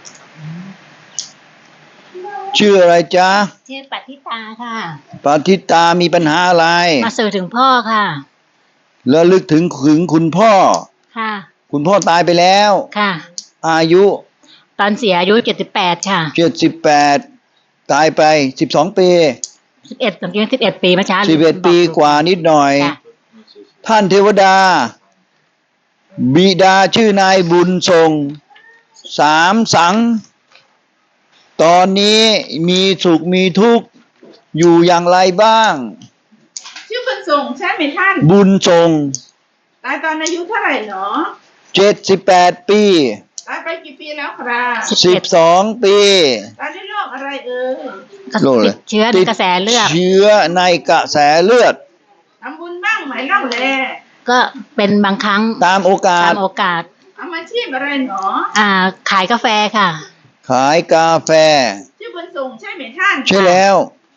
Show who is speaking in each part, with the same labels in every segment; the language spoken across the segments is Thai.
Speaker 1: ชื่ออะไรจ๊ะ
Speaker 2: ชื่อปัทธิตาค่ะ
Speaker 1: ปฏิตามีปัญหาอะไร
Speaker 2: มาสื่อถึงพ่อค่ะ
Speaker 1: ระลึกถึงคุณพ่อ
Speaker 2: ค่ะ
Speaker 1: คุณพ่อตายไปแล้ว
Speaker 2: ค่ะ
Speaker 1: อายุ
Speaker 2: ตอนเสียอายุ78ค่ะ
Speaker 1: 78ตายไป12 ปี
Speaker 2: 11ตอนนี้11 ปีเมื่อเช้า
Speaker 1: 11 ปีกว่านิดหน่อยท่านเทวดาบิดาชื่อนายบุญส่งสามสังตอนนี้มีสุขมีทุกข์อยู่อย่างไรบ้าง
Speaker 3: ชื่อบุญส่งใช่ไหมท่าน
Speaker 1: บุญส่ง
Speaker 3: ตายตอนอายุเท่าไหร่หรอ
Speaker 1: 78 ปี
Speaker 3: ตายไปกี่ปีแล้วครับ
Speaker 1: 12 ปี
Speaker 3: ตายด้วยโรคอะไร
Speaker 1: โรคอะไร
Speaker 2: เชื้อในกระแสเลือด
Speaker 1: เชื้อในกระแสเลือด
Speaker 3: ทำบุญบ้างไหมเล่าแล
Speaker 2: ก็เป็นบางครั้ง
Speaker 1: ตามโอกาส
Speaker 3: ทำอาชีพอะไรหรอ
Speaker 2: ขายกาแฟค่ะ
Speaker 1: ขายกาแฟ
Speaker 3: ชื่อบุญส่งใช่ไหมท่าน
Speaker 1: ใช่แล้ว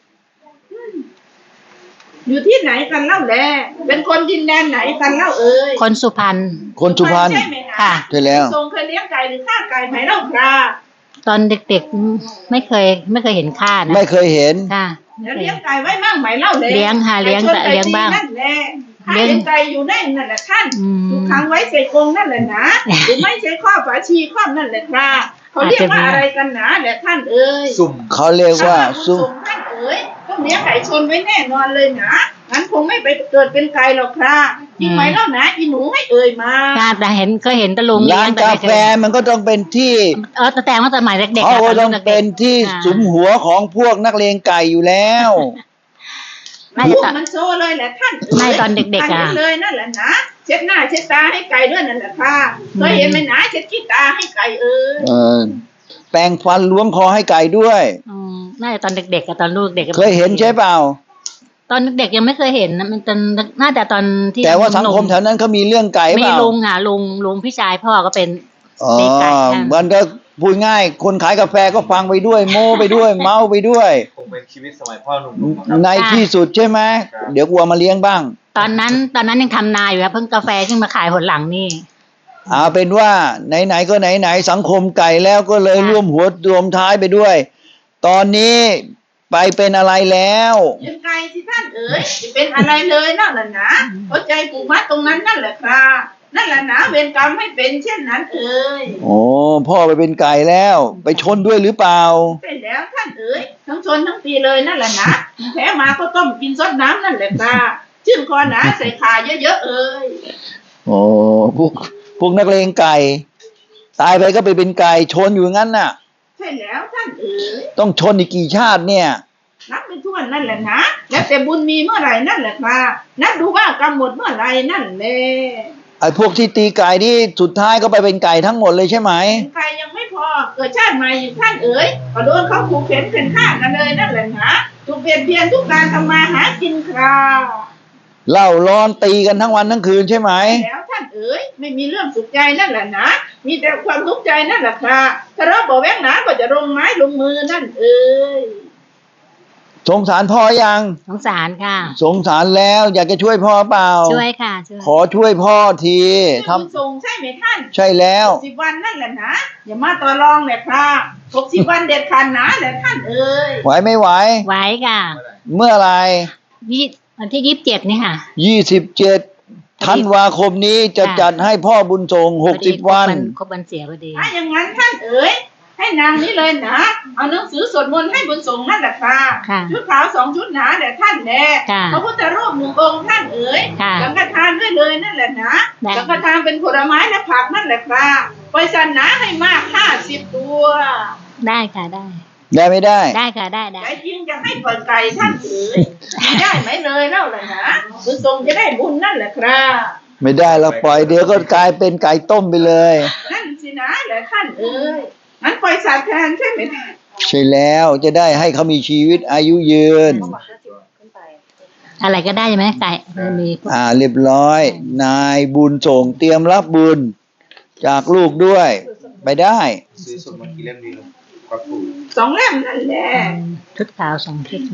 Speaker 3: อยู่ที่ไหนกันเล่าแลเป็นคนดินแดนไหนกันเล่า
Speaker 2: คนสุพรรณ
Speaker 3: ใช่ไหม
Speaker 1: ค่ะใช่แล้ว
Speaker 3: ส่งเคยเลี้ยงไก่หรือฆ่าไก่ไหมเล่าครับ
Speaker 2: ตอนเด็กๆไม่เคยเห็นฆ่านะ
Speaker 1: ไม่เคยเห็น
Speaker 2: ค่ะ
Speaker 3: เลี้ยงไก่ไว้บ้างไหมเล่าเลย
Speaker 2: เลี้ยงค่ะเลี้ยงบ้าง
Speaker 3: เลี้ยงไก่อยู่ได้นั่นแหละท่านถูกขังไว้ใส่กรงนั่นแหละนะหรือไม่ใช่ข้อฝาชีข้อนั่นแหละครับเขาเรียกว่าอะไรกันนะแหละท่าน
Speaker 1: สุ่มเขาเรียกว่าสุ่ม
Speaker 3: ท่านต้องเลี้ยงไก่ชนไว้แน่นอนเลยนะงั้นคงไม่ไปเกิดเป็นไก่หรอกครับจริงไหมเล่านะอีหนูให้มา
Speaker 2: แต่เคยเห็นตะลุง
Speaker 1: ร้านกาแฟมันก็ต้องเป็นที่
Speaker 2: แต่ว่าสมัยเด็กๆ
Speaker 1: เขาต้องเป็นที่สุมหัวของพวกนักเลงไก่อยู่แล้ว
Speaker 3: พวกมันโซ่เลยแหละท่าน
Speaker 2: ไม่ตอนเด็กๆ
Speaker 3: เลยนั่นแหละนะเช็ดหน้าเช็ดตาให้ไก่ด้วยนั่นแหละค่ะเคยเห็นไหมนะเช็ดขี้ตาให้ไก่
Speaker 1: แปรงฟันล้วงคอให้ไก่ด้วย
Speaker 2: น่าจะตอนเด็กๆกับตอนลูกเด็ก
Speaker 1: เคยเห็นใช่เปล่า
Speaker 2: ตอนเด็กยังไม่เคยเห็นนะมันน่าจะตอนที่
Speaker 1: แต่ว่าสังคมแถวนั้นเขามีเรื่องไก่เปล่า
Speaker 2: มีลุงพี่ชายพ่อก็เป็น
Speaker 1: ตีไก่มันก็พูดง่ายคนขายกาแฟก็ฟังไปด้วยโม้ไปด้วยเมาไปด้วย
Speaker 4: คงเป็นชีวิตสมัยพ่อหนุ่ม
Speaker 1: ในที่สุดใช่ไหมเดี๋ยวกลัวมาเลี้ยงบ้าง
Speaker 2: ตอนนั้นยังทำนาอยู่ครับเพิ่งกาแฟขึ้นมาขายหนหลังนี่
Speaker 1: เอาเป็นว่าไหนๆก็ไหนๆสังคมไก่แล้วก็เลยร่วมหัวรวมท้ายไปด้วยตอนนี้ไปเป็นอะไรแล้ว
Speaker 3: เป็นไก่ที่ท่านจะเป็นอะไรเลยนั่นแหละนะเข้าใจผูกมัดตรงนั้นนั่นแหละครับนั่นแหละนะเวรกรรมให้เป็นเช่นนั้น
Speaker 1: โอ้พ่อไปเป็นไก่แล้วไปชนด้วยหรือเปล่า
Speaker 3: ใช่แล้วท่านทั้งชนทั้งตีเลยนั่นแหละนะแพ้มาก็ต้มกินซดน้ำนั่นแหละครับชื่นคอหนาใส่ขาเยอะ
Speaker 1: โอ้พวกนักเลงไก่ตายไปก็ไปเป็นไก่ชนอยู่งั้นน่ะ
Speaker 3: ใช่แล้วท่าน
Speaker 1: ต้องชนอีกกี่ชาติเนี่ย
Speaker 3: นับไม่ถ้วนนั่นแหละนะแล้วแต่บุญมีเมื่อไหร่นั่นแหละครับนับดูว่ากรรมหมดเมื่อไหร่นั่นแหละ
Speaker 1: ไอ้พวกที่ตีไก่นี่สุดท้ายก็ไปเป็นไก่ทั้งหมดเลยใช่ไหม
Speaker 3: ไก่ยังไม่พอเกิดชาติใหม่อยู่ท่านก็โดนเขาขู่เข็นเป็นฆ่ากันเลยนั่นแหละนะถูกเปลี่ยนเพียนทุกการทำมาหากินครับ
Speaker 1: เล่าร้อนตีกันทั้งวันทั้งคืนใช่ไหม
Speaker 3: แล้วท่านไม่มีเรื่องสุขใจนั่นแหละนะมีแต่ความทุกข์ใจนั่นแหละครับถ้าเราบอกแว้งหนาก็จะลงไม้ลงมือนั่น
Speaker 1: สงสารพ่อยัง
Speaker 2: สงสารค่ะ
Speaker 1: สงสารแล้วอยากจะช่วยพ่อเปล่า
Speaker 2: ช่วยค่ะ
Speaker 1: ขอช่วยพ่อที
Speaker 3: ทำส่งใช่ไหมท่าน
Speaker 1: ใช่แล้ว
Speaker 3: 60 วันนั่นแหละนะอย่ามาต่อรองเลยครับ60 วันเด็ดขาดนะแหละท่าน
Speaker 1: ไหวไม่ไหว
Speaker 2: ไหวค่ะ
Speaker 1: เมื่อไร
Speaker 2: วันที่27นี่ค่ะ
Speaker 1: 27 ธันวาคมนี้จะจัดให้พ่อบุญส่ง60 วัน
Speaker 2: ครบวันเสียพอดี
Speaker 3: ถ้าอย่างนั้นท่านให้นางนี้เลยนะเอาหนังสือสวดมนต์ให้บุญส่งนั่นแหละค่ะชุดขาว2 ชุดหนาแต่ท่านแน่พระพุทธรูป1 องค์ท่านสังฆทานด้วยเลยนั่นแหละนะสังฆทานเป็นผลไม้และผักนั่นแหละค่ะปล่อยสันนะให้มาก50 ตัว
Speaker 2: ได้ค่ะได้
Speaker 1: ไม่ได้
Speaker 2: ได้ค่ะได้
Speaker 3: ใจจริงจะให้ปล่อยไก่ท่านได้ไหมเลยเล่าเลยนะบุญส่งจะได้บุญนั่นแหละครับ
Speaker 1: ไม่ได้เราปล่อยเดี๋ยวก็กลายเป็นไก่ต้มไปเลย
Speaker 3: นั่นสินะแหละท่านงั้นปล่อยสัตว์แทนใช่ไหม
Speaker 1: ใช่แล้วจะได้ให้เขามีชีวิตอายุยืน
Speaker 2: อะไรก็ได้ใช่ไหมไก่มี
Speaker 1: เรียบร้อยนายบุญส่งเตรียมรับบุญจากลูกด้วยไปได้
Speaker 4: ซื้อสวดมนต์กี่เล่มดีครับ
Speaker 3: 2 เล่มนั่นแหละ
Speaker 2: ชุดขาว2 ชุด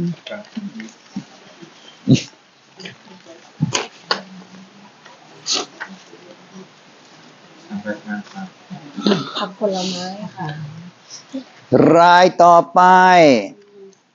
Speaker 5: ผักผลไม้ค่ะ
Speaker 1: รายต่อไป